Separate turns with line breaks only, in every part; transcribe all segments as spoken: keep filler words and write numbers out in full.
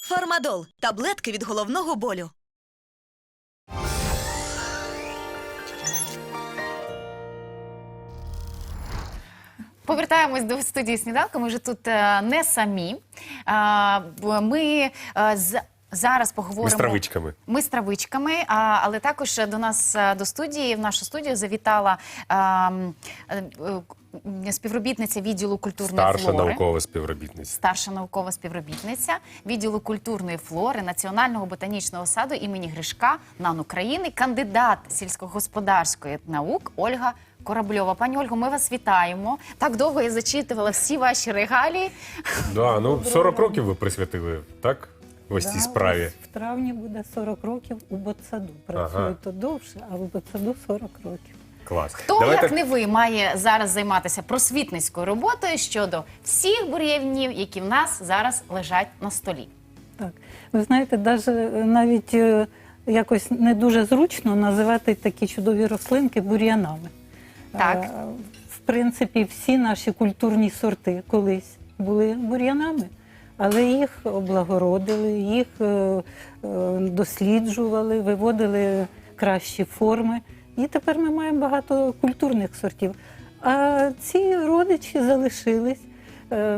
Фармадол – таблетки від головного болю.
Повертаємось до студії «Сніданку». Ми вже тут е, не самі. А, бо ми е, з... зараз поговоримо...
Ми з травичками.
Ми з травичками, а, але також до нас, е, до студії, в нашу студію завітала а, е, е, співробітниця відділу культурної
Старша
флори.
наукова співробітниця.
Старша наукова співробітниця відділу культурної флори Національного ботанічного саду імені Гришка НАН України, кандидат сільськогосподарської наук Ольга Корабльова. Пані Ольго, ми вас вітаємо. Так довго я зачитувала всі ваші регалії.
Да, ну сорок років ви присвятили, так? Ось цій справі.
В травні буде сорок років у ботсаду. Працюю
Ага.
то довше, а в ботсаду сорок років.
Клас.
Хто,
Давайте...
як не ви, має зараз займатися просвітницькою роботою щодо всіх бур'янів, які в нас зараз лежать на столі?
Так. Ви знаєте, даже, навіть е, якось не дуже зручно називати такі чудові рослинки бур'янами.
Так.
Е, В принципі, всі наші культурні сорти колись були бур'янами, але їх облагородили, їх е, е, досліджували, виводили кращі форми. І тепер ми маємо багато культурних сортів. А ці родичі залишились. Е,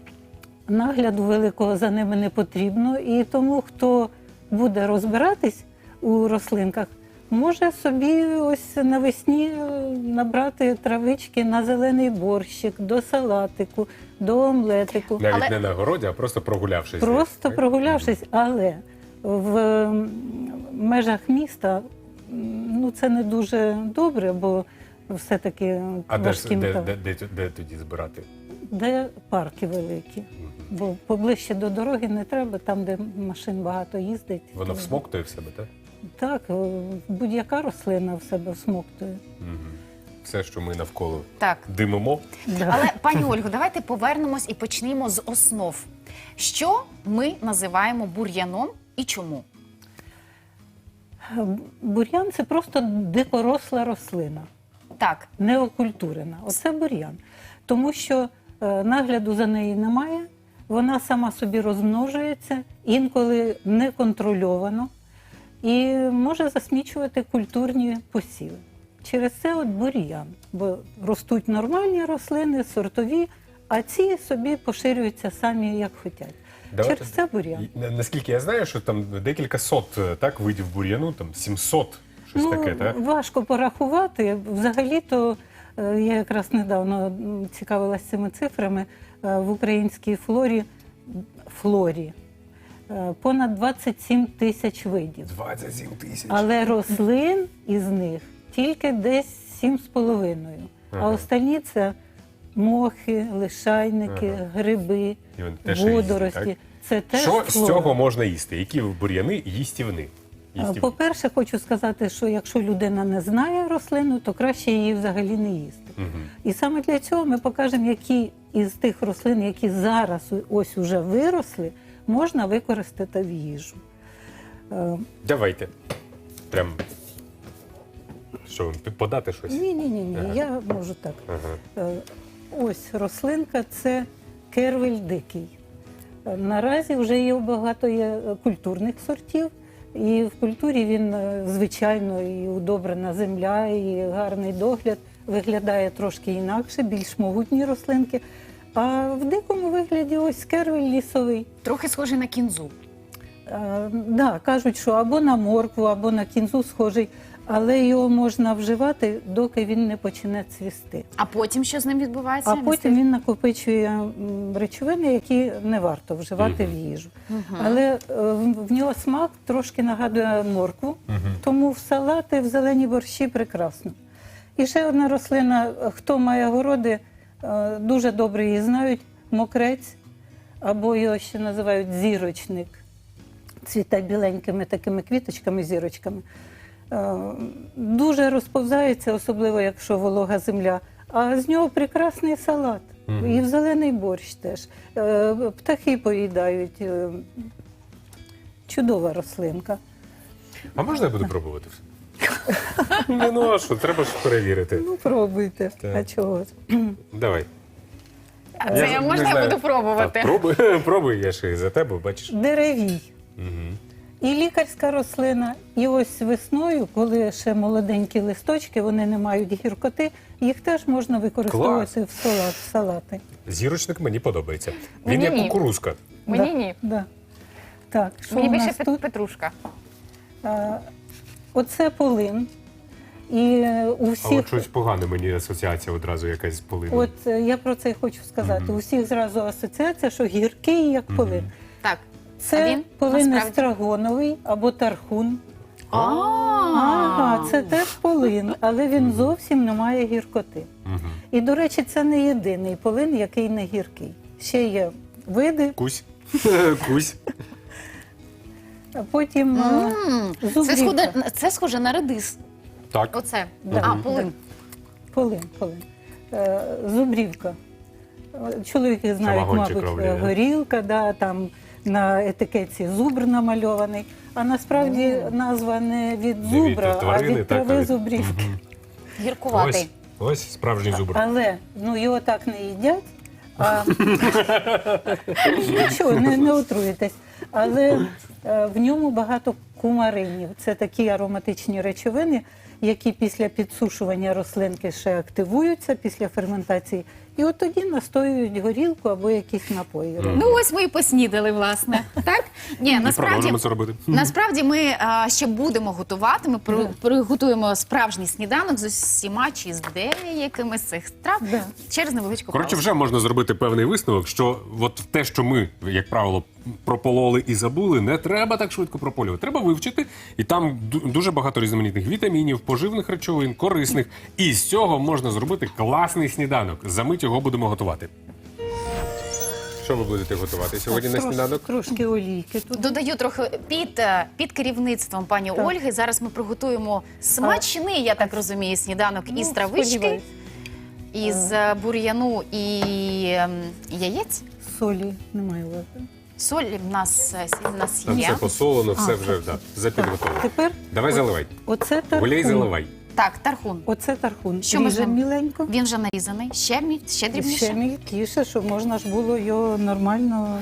Нагляду великого за ними не потрібно. І тому, хто буде розбиратись у рослинках, може собі ось навесні набрати травички на зелений борщик, до салатику, до омлетику.
Навіть
Але-
не на городі, а просто прогулявшись.
Просто
так?
прогулявшись, але в межах міста ну, це не дуже добре, бо все-таки
А де, ж,
важким
де,
та-
де, де, де тоді збирати?
де парки великі. Бо поближче до дороги не треба, там, де машин багато їздить.
Воно всмоктує в себе, так?
Так, будь-яка рослина в себе всмоктує.
Угу. Все, що ми навколо
Так.
димимо.
Да.
Але, пані Ольго, давайте повернемось і почнемо з основ. Що ми називаємо бур'яном і чому?
Бур'ян – це просто дикоросла рослина,
Так,
неокультурена. Оце бур'ян. Тому що е, нагляду за нею немає, вона сама собі розмножується, інколи неконтрольовано, і може засмічувати культурні посіви. Через це от бур'ян, бо ростуть нормальні рослини, сортові, а ці собі поширюються самі, як хочуть.
Давайте-
Через це бур'ян.
І, на- Наскільки я знаю, що там декілька сот так, видів бур'яну, там сімсот, щось
Ну,
таке, так?
важко порахувати. Взагалі-то е, я якраз недавно м, цікавилася цими цифрами. Е, В українській флорі, флорі е, понад двадцять сім тисяч видів.
двадцять сім тисяч.
Але рослин із них тільки десь сім з половиною. А
Ага.
останні це мохи, лишайники,
Ага.
гриби,
І вони теж різні,
водорості.
так?
Це теж
Що з
флора.
цього можна їсти? Які бур'яни їстівни? Їстівні.
По-перше, хочу сказати, що якщо людина не знає рослину, то краще її взагалі не їсти.
Мгм.
І саме для цього ми покажемо, які із тих рослин, які зараз ось уже виросли, можна використати в їжу. Е,
Давайте. Прям. Що, вам подати щось?
Ні, ні, ні, ні.
Ага.
Я можу так.
Ага.
Е, Ось рослинка це кервель дикий. Е, Наразі вже є багато є е, культурних сортів, і в культурі він, е, звичайно, і удобрена земля, і гарний догляд. Виглядає трошки інакше, більш могутні рослинки. А в дикому вигляді ось кервель лісовий.
трохи схожий на кінзу.
Е, да, кажуть, що або на моркву, або на кінзу схожий, але його можна вживати, доки він не почне цвісти.
А потім що з ним відбувається?
А потім він накопичує м, речовини, які не варто вживати в їжу. Але е, в в нього смак трошки нагадує моркву, тому в салати, в зелені борщі прекрасно. І ще одна рослина, хто має городи, е, дуже добре її знають, мокрець, або його ще називають зірочник. Цвіте біленькими такими квіточками, зірочками. Е, Дуже розповзається, особливо якщо волога земля. А з нього прекрасний салат.
Мгм.
І в зелений борщ теж. Е, Птахи поїдають. Е, Чудова рослинка.
А можна я буду пробувати все? Не, ну а що, треба ж перевірити.
Ну, пробуйте.
Так.
А чого ж?
Давай.
А це я, можна я буду пробувати?
Так, пробуй, пробуй, я ж і за тебе, бачиш.
Деревій.
Угу.
І лікарська рослина. І ось весною, коли ще молоденькі листочки, вони не мають гіркоти, їх теж можна використовувати в салат, в салати.
Зірочник мені подобається. Він
Мені
як
ні.
кукурузка.
Мені
Да,
ні.
Да. Так, що
Мені
у
більше
нас
пет-
тут?
петрушка.
А, оце полин. І е, у
А
всіх,
от щось погане мені асоціація одразу якась з полином.
от е, я про це й хочу сказати. У всіх зразу асоціація, що гіркий, як полин.
Так. А
Це
він
полин
насправді?
естрагоновий або тархун.
А,
Ага, це теж полин, але він зовсім не має гіркоти.
Угу.
І, до речі, це не єдиний полин, який не гіркий. Ще є види,
Кусь. Кусь.
а потім е,
М, Це
зубрівка.
схоже, це схоже на редис.
Так.
Оце.
Да.
А, полин.
Полин, полин. Е, Зубрівка. Е, Чоловіки знають,
Самогончик
мабуть,
роблять, да?
горілка, да, там на етикетці зубр намальований. А насправді назва не від
Не від
зубра,
тварини,
а від
так, а
трави
від-
зубрівки.
Гіркуватий.
Ось, ось справжній зубр.
Але ну, його так не їдять. А... Нічого, не, не отруєтесь. Але е, в ньому багато кумаринів. Це такі ароматичні речовини, які після підсушування рослинки ще активуються після ферментації. І от тоді настоюють горілку або якісь напої.
Ну ось ми і поснідали, власне. Так? Ні,
І
насправді,
продовжимо це робити.
насправді ми а, ще будемо готувати. Ми при- приготуємо справжній сніданок з усіма чи з деякими з цих страв
Да.
через невеличку
Коротше,
паузу.
вже можна зробити певний висновок, що от те, що ми, як правило, пропололи і забули, не треба так швидко прополювати. Треба вивчити, і там ду- дуже багато різноманітних вітамінів, поживних речовин, корисних. І з цього можна зробити класний сніданок. Замить його будемо готувати. Що ви будете готувати сьогодні на
Трош-
сніданок?
Трошки олійки тут.
Додаю трохи під, е, під керівництвом пані
Так.
Ольги. Зараз ми приготуємо смачний, я так розумію, сніданок
Ну,
із травички,
сподіваюсь.
із е, бур'яну і ем, яєць.
Солі немає у вас.
Соль в нас, е, сіль в нас
Там
є.
все посолено, все
А,
вже да, запідготовлено.
Тепер
Давай заливай.
оце
Гуляй,
тархун.
заливай.
Так, тархун.
Оце тархун.
Що можна?
Ріжемо міленько.
Він вже нарізаний. Ще, мі- ще дрібніше.
Ще мілкіше, щоб можна ж було його нормально.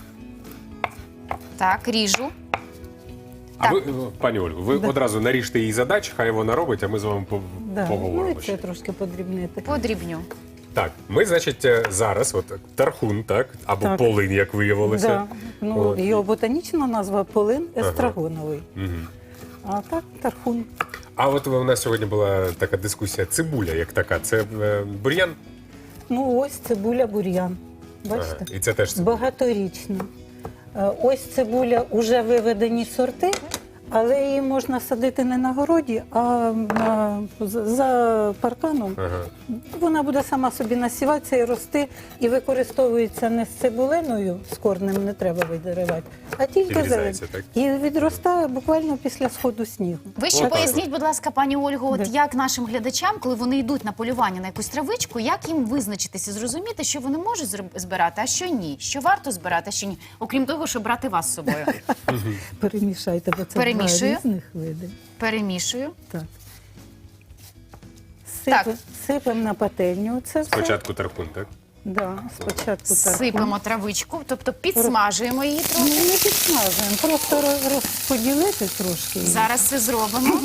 Так, ріжу.
А
Так.
ви, пані Ольго, ви
Да.
одразу наріжте її задач, хай вона робить, а ми з вами по-
Да. Ну,
поговоримо.
і це
ще.
трошки подрібнити.
Подрібню.
Так, ми, значить, е, зараз, от тархун, так, або
Так.
полин, як виявилося.
Да. Ну,
От.
його ботанічна назва полин естрагоновий.
Мгм.
А так тархун.
А от у нас сьогодні була така дискусія, цибуля як така, це е, бур'ян?
Ну, ось цибуля бур'ян. Бачите?
Ага, і це теж цибуля.
Багаторічна. Е, Ось цибуля уже виведені сорти, але її можна садити не на городі, а на, за- за парканом.
Ага.
Вона буде сама собі насіватися і рости, і використовується не з цибулиною, з корнем не треба видиривати, а тільки зелень.
Відрізається, так?
І відростає буквально після сходу снігу.
Ви ще
Отак
поясніть, будь ласка, пані Ольго, от
Да.
як нашим глядачам, коли вони йдуть на полювання на якусь травичку, як їм визначитися, зрозуміти, що вони можуть зроб- збирати, а що ні, що варто збирати, а що ні, окрім того, щоб брати вас з собою.
Перемішайте, бо це
Перемішую.
два різних види.
Перемішую.
Так.
Так.
Сипем, сипем на пательню. Це все.
Спочатку тархун, так?
Да, спочатку так.
Сипемо травичку, тобто підсмажуємо її
Ну,
трохи.
не підсмажуємо, просто роз- розподілити трошки. її.
Зараз це зробимо.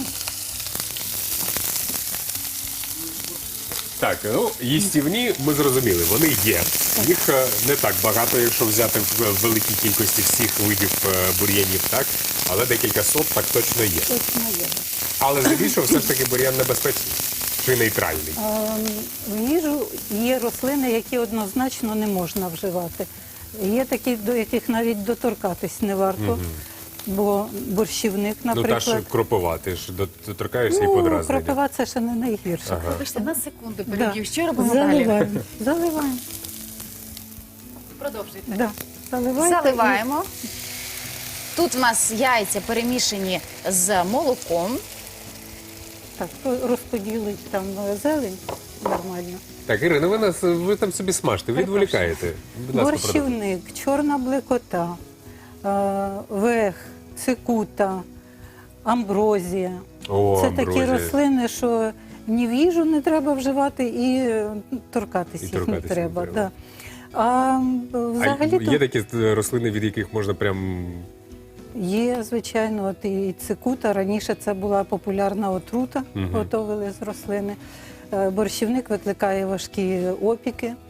Так, ну, їстівні, ми зрозуміли, вони є. Їх е, не так багато, якщо взяти в в великій кількості всіх видів е, бур'янів, так? Але декілька сот так точно є.
Точно є.
Але здебільшого все ж таки бур'ян небезпечний чи нейтральний.
А, в їжу є рослини, які однозначно не можна вживати. Є такі, до яких навіть доторкатись не варто. Бо борщівник,
Ну, та
наприклад.
ж кропова, ти ж доторкаєшся і
Ну,
подразнення.
кропива це ще не найгірше.
Ага.
Вибачте, на секунду
Да.
переб'ю. Що робимо далі?
Заливаємо. Заливаємо.
Продовжуйте.
Да. Заливайте
Заливаємо. Тут в нас яйця перемішані з молоком.
і- Так, розподілить там е, зелень нормально.
Так, Ірина, ви нас ви там собі смажте, відволікаєте. Будь ласка, продовжуйте.
Борщівник, чорна блекота, е, вех, цикута, амброзія.
О,
Це
амброзія.
такі рослини, що ні в їжу не треба вживати, і е, торкатись
І
їх
торкатись
не
не
треба.
треба.
Да. А
А
взагалі
є такі е, рослини, від яких можна прям.
є, звичайно, от і цикута. Раніше це була популярна отрута,
Мгм.
готовили з рослини. Е, Борщівник викликає важкі опіки. Е,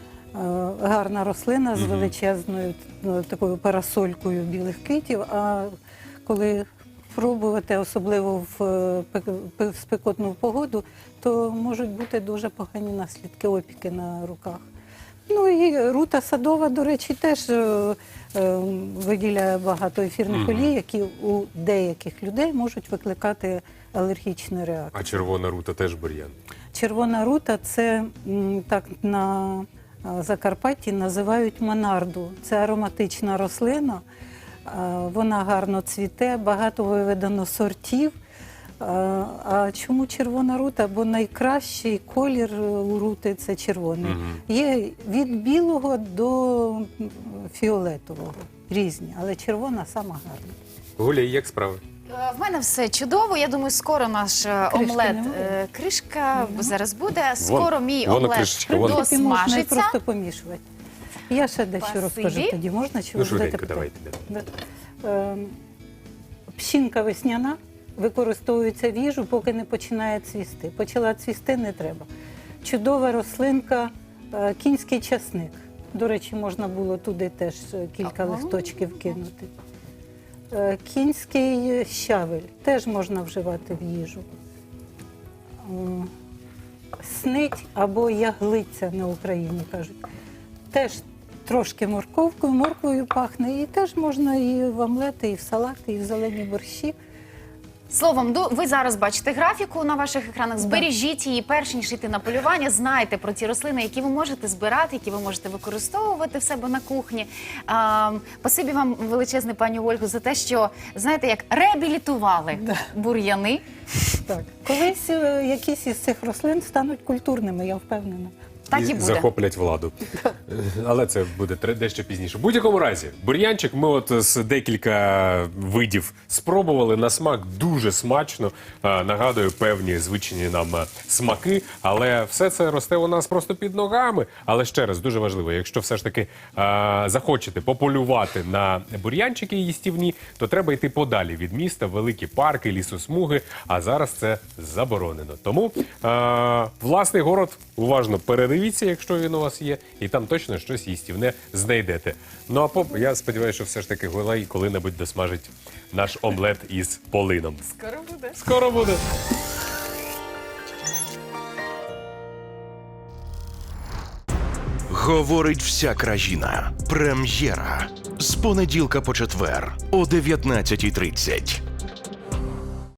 Гарна рослина з
Мгм.
величезною ну, такою парасолькою білих квітів. А коли пробувати, особливо в е, пек- пе- спекотну погоду, то можуть бути дуже погані наслідки, опіки на руках. Ну і рута садова, до речі, теж е, е, виділяє багато ефірних
Мгм.
олій, які у деяких людей можуть викликати алергічні реакції.
А червона рута теж бур'ян.
Червона рута це м, так на а, Закарпатті називають монарду. Це ароматична рослина. А, Вона гарно цвіте, багато виведено сортів. А а чому червона рута? Бо найкращий колір у рути це червоний.
Мгм.
Є від білого до м, фіолетового різні, але червона сама гарна.
Гуля, і як справи?
Е, В мене все чудово. Я думаю, скоро наш е,
Кришки
омлет
немає?
е, кришка зараз буде. Скоро мій
вон
омлет
кришечка, вон.
В принципі, можна і
досмажиться.
просто помішувати. Я ще дещо
Спасибі.
розкажу тоді. Можна чи
Ну,
ви
швиденько,
будете
давайте.
питати? Да. Ем, Пшінка весняна використовується в їжу, поки не починає цвісти. Почала цвісти, не треба. Чудова рослинка, е, кінський часник. До речі, можна було туди теж е, кілька
Ага.
листочків кинути. Е, Кінський щавель теж можна вживати в їжу. Е, Снить або яглиця на Україні кажуть. Теж трошки морковкою, морквою пахне, і теж можна і в омлети, і в салати, і в зелені борщі.
Словом, до- ви зараз бачите графіку на ваших екранах. Збережіть її, перш ніж йти на полювання. Знайте про ті рослини, які ви можете збирати, які ви можете використовувати в себе на кухні. А, Спасибі вам величезне, пані Ольго, за те, що, знаєте, як реабілітували бур'яни.
Так. Колись е, якісь із цих рослин стануть культурними, я впевнена.
Так і буде.
захоплять владу. Але це буде тре- дещо пізніше. В будь-якому разі, бур'янчик ми от з декілька видів спробували. На смак дуже смачно. Е, Нагадую, певні звичні нам е, смаки. Але все це росте у нас просто під ногами. Але ще раз, дуже важливо, якщо все ж таки е, захочете пополювати на бур'янчики їстівні, то треба йти подалі від міста, в великі парки, лісосмуги. А зараз це заборонено. Тому е, власний город уважно передивіться, якщо він у вас є, і там точно щось їстівне знайдете. Ну а поп, я сподіваюся, що все ж таки Гулай коли-небудь досмажить наш омлет із полином.
Скоро буде.
Скоро буде.
Говорить вся країна. Прем'єра. З понеділка по четвер о дев'ятнадцятій тридцять.